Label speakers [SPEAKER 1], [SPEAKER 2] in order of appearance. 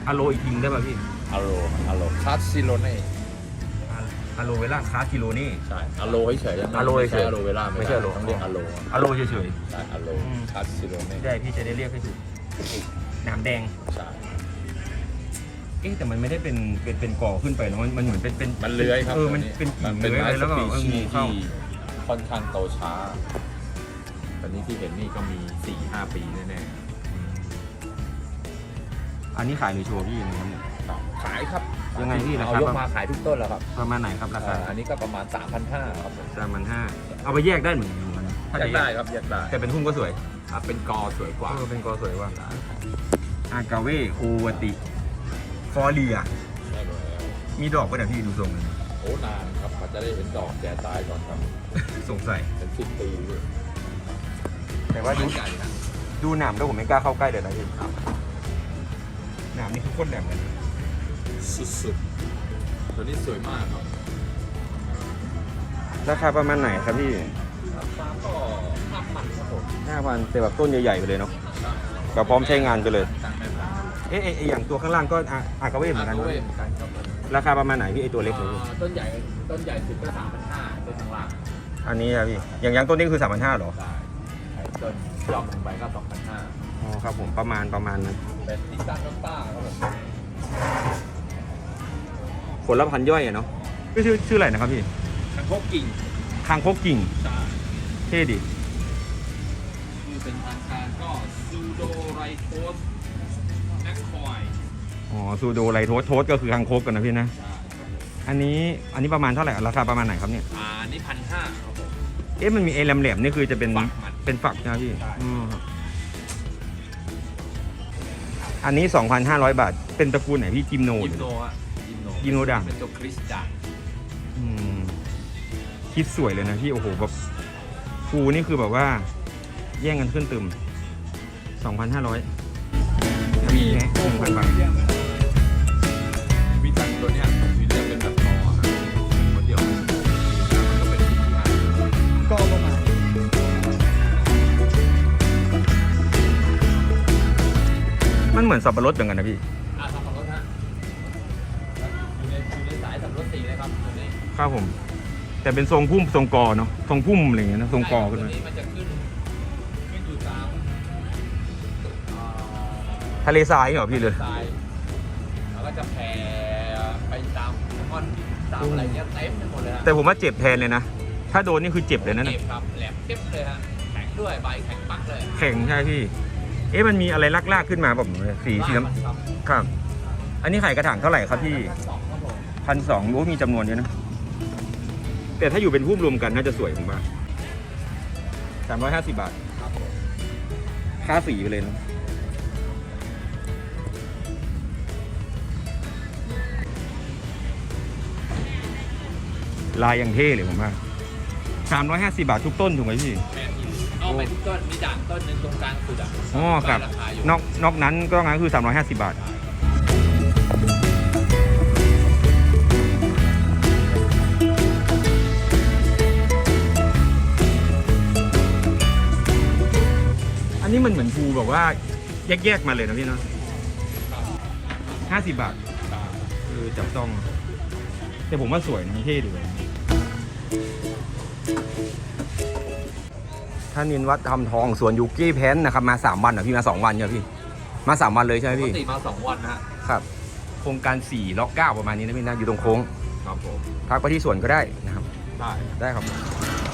[SPEAKER 1] อะโลอีกทีได้ป่ะพี่
[SPEAKER 2] อะโลคาซิโลเน่
[SPEAKER 1] อะโลเวล่าคาคิโลนี่
[SPEAKER 2] ใช่อะโลเฉยๆ
[SPEAKER 1] อะโลเฉยๆ
[SPEAKER 2] อะโลเวล่า
[SPEAKER 1] ไม่ใช่อะโล
[SPEAKER 2] ต้องเรียกอะโล
[SPEAKER 1] อะโลเฉย
[SPEAKER 2] ใช่อะโลคาซิโลเน่
[SPEAKER 1] ๆได้พี่จะได้เรียกให้ถูกหนามแดง
[SPEAKER 2] ใช่
[SPEAKER 1] แต่มันไม่ได้เป็นก่อขึ้นไปเนาะมันเหมือนเป็น
[SPEAKER 2] มันเลื้อยครับ
[SPEAKER 1] มันเป็นกิ่ง
[SPEAKER 2] เป็น
[SPEAKER 1] เลื้อย
[SPEAKER 2] ไม้
[SPEAKER 1] อะไร
[SPEAKER 2] ส
[SPEAKER 1] แล้วก็
[SPEAKER 2] ปีชี
[SPEAKER 1] งู
[SPEAKER 2] ส์
[SPEAKER 1] เข้า
[SPEAKER 2] ที่ค่อนข้างโตช้าตอนนี้ที่เห็นนี่ก็มี 4-5 ปีแน่
[SPEAKER 1] อันนี้ขายหรือโชว์พี่ยังไงครับเนี่ย
[SPEAKER 2] ๆขายครับ
[SPEAKER 1] ยังไงพี่ราคา
[SPEAKER 2] เอายกมาขายทุกต้นแล้วครับ
[SPEAKER 1] ประมาณไหนครับราคา
[SPEAKER 2] อันนี้ก็ประมาณ 3,500ครับผม
[SPEAKER 1] 3,500เอาไปแยกได้เหมือนกันนะถ้า
[SPEAKER 2] แย
[SPEAKER 1] จะ
[SPEAKER 2] กได้ครับแยกได้
[SPEAKER 1] แต่เป็นทุ่งก็สวย
[SPEAKER 2] เป็นกอสวยกว่า
[SPEAKER 1] เป็นกอสวยว่าอากาเวคูวติฟอเรีย
[SPEAKER 2] ใช่แล้ว
[SPEAKER 1] มีดอกป่ะเนี่ยพี่ดูทรงเลย
[SPEAKER 2] โอ้นานครับกว่าจะได้เห็นดอกแก่ตายก่อนครับ
[SPEAKER 1] สงสัย
[SPEAKER 2] เป็น10 ปีเลย
[SPEAKER 1] แต่ว่าดู
[SPEAKER 2] ใหญ่นะ
[SPEAKER 1] ดูหนามแล้วผมไม่กล้าเข้าใกล้เลยนะพี่หนามนี่คือโคตรแหลมเลย
[SPEAKER 2] สุดๆตัวนี้สวยมากครับ
[SPEAKER 1] ราคาประมาณไหนครับพี่
[SPEAKER 2] ราคาก็5,000ครับผม
[SPEAKER 1] 5,000แต่แบบต้นใหญ่ๆไปเลยเนาะก็พร้อมใช้งานไปเลย
[SPEAKER 2] ต่างแม่พันธุ์
[SPEAKER 1] อย่างตัวข้างล่างก็อากาเวเหมือนกัน
[SPEAKER 2] อา
[SPEAKER 1] เน
[SPEAKER 2] โก
[SPEAKER 1] อะ
[SPEAKER 2] เว่เหมือนกันครับผม
[SPEAKER 1] ราคาประมาณไหนพี่ไอตัวเล็กเลยพี่
[SPEAKER 2] ต้นใหญ่สุดก็ 3,500ต้นข้างล่าง
[SPEAKER 1] อันนี้ครับพี่อย่างต้นนี้คือ 3,500หรอ
[SPEAKER 2] ได้ไอ้ต้นยอมลงไปก็ 2,500
[SPEAKER 1] อ๋อครับผมประมาณนั้น
[SPEAKER 2] เป็นติต้าน้ำต้าครับผม
[SPEAKER 1] ผลละพันย่อยอะเนาะชื่ออะไรนะครับพี่
[SPEAKER 2] คังคกกิ่ง
[SPEAKER 1] คางคกกิ่ง
[SPEAKER 2] ใช่
[SPEAKER 1] เท่ดิ
[SPEAKER 2] ชื่อเป็นทางการก็ซูโดไรโทสแมคคอย
[SPEAKER 1] อ๋อซูโดไลโทสก็คือคางคกกันนะพี่นะ
[SPEAKER 2] ใช่ครับผม
[SPEAKER 1] อันนี้ประมาณเท่าไหร่ราคาประมาณไหนครับเนี่ย
[SPEAKER 2] อันนี้1,500ครับผม
[SPEAKER 1] มันมีไอ้แหลมๆนี่คือจะเป็น
[SPEAKER 2] ฝักมัน
[SPEAKER 1] เป็นฝักนะพี่
[SPEAKER 2] ใช่
[SPEAKER 1] อืมครับอันนี้ 2,500 บาทเป็นตระกูลไหนพี่จิมโน
[SPEAKER 2] ยิมโนอะ
[SPEAKER 1] ยิมโนด่าง
[SPEAKER 2] เป็นตัวคริสด่าง
[SPEAKER 1] อืมคิดสวยเลยนะพี่โอ้โหแบบฟูนี่คือแบบว่า แย่งกันขึ้นตึม 2,500มีแค่ 1,000 บาท
[SPEAKER 2] วิจันตัวเนี้ยวิจันเป็นแบบรอฮะคนเดียวมันก็เป็นสีงาน
[SPEAKER 3] ก็ประมาณ
[SPEAKER 1] มันเหมือนสับปะรดเหมือนกันนะพี่
[SPEAKER 2] สับปะรดฮะอยู่ในสายสับปะรดสีเลยครับตัวนี้
[SPEAKER 1] ครับผม แต่เป็นทรงพุ่มทรงกอเนาะทรงพุ่มอะไรอย่างเงี้ยนะทรงกอขึ้น
[SPEAKER 2] ตัว
[SPEAKER 1] มา
[SPEAKER 2] นี้มันจะขึ้นอยู่ตาม
[SPEAKER 1] ทะเลทรายเหรอพี่เลย
[SPEAKER 2] ทรายแล้วก็จะแผ่ไปตามก้อนหินตามอะไรเงี้ยเต็มไปหมดเลยฮะ
[SPEAKER 1] แต่ผมว่าเจ็บแทนเลยนะ ถ้าโดนนี่คือเจ็บเลยนะ
[SPEAKER 2] เจ็บครับแหลมเจ็บเลยฮะแข็งด้วยใบแข็งปักเลย
[SPEAKER 1] แข็งใช่พี่ มันมีอะไรลากๆขึ้นมาแบบสีน้
[SPEAKER 2] ครับ
[SPEAKER 1] ำครับ อันนี้ไข่กระถางเท่าไหร่ครับพี่
[SPEAKER 2] 2ครับผม
[SPEAKER 1] 1,200รู้มีจำนวนเยอะนะ แต่ถ้าอยู่เป็นพุ่มรวมกันน่าจะสวยผมว่า350 บาท
[SPEAKER 2] ครับผม
[SPEAKER 1] ค่าสีไปเลยนะลายอย่างเท่เลยผมว่า350 บาททุกต้นถูกไหมพี่
[SPEAKER 2] แม่นอีเอาไปทุกต้นมีด่างต้นหนึ่งตรงกลางสุดอ่ะ
[SPEAKER 1] อ๋อครับ
[SPEAKER 2] ราคาอยู่
[SPEAKER 1] นอกนั้นก็งั้นคือ350 บาท อันนี้มันเหมือนภูแบบว่าแยกๆมาเลยนะพี่เนาะ50 บาทจับต้อง แต่ผมว่าสวยนะเท่ดีเลยท่านนินวัดทำทองสวนยูกี้แพนนะครับมา3 วันเหรอพี่มา2 วันเนี่ยพี่มา3 วันเลยใช่ไหม
[SPEAKER 2] ปก
[SPEAKER 1] พี่
[SPEAKER 2] ติมา2 วันนะฮะ
[SPEAKER 1] ครับ โครงการ4ล็อก9ประมาณนี้นะพี่นะอยู่ตรงโค้ง
[SPEAKER 2] ครับผม
[SPEAKER 1] พักไปที่สวนก็ได้นะครับ
[SPEAKER 2] ได้
[SPEAKER 1] ได้ครับ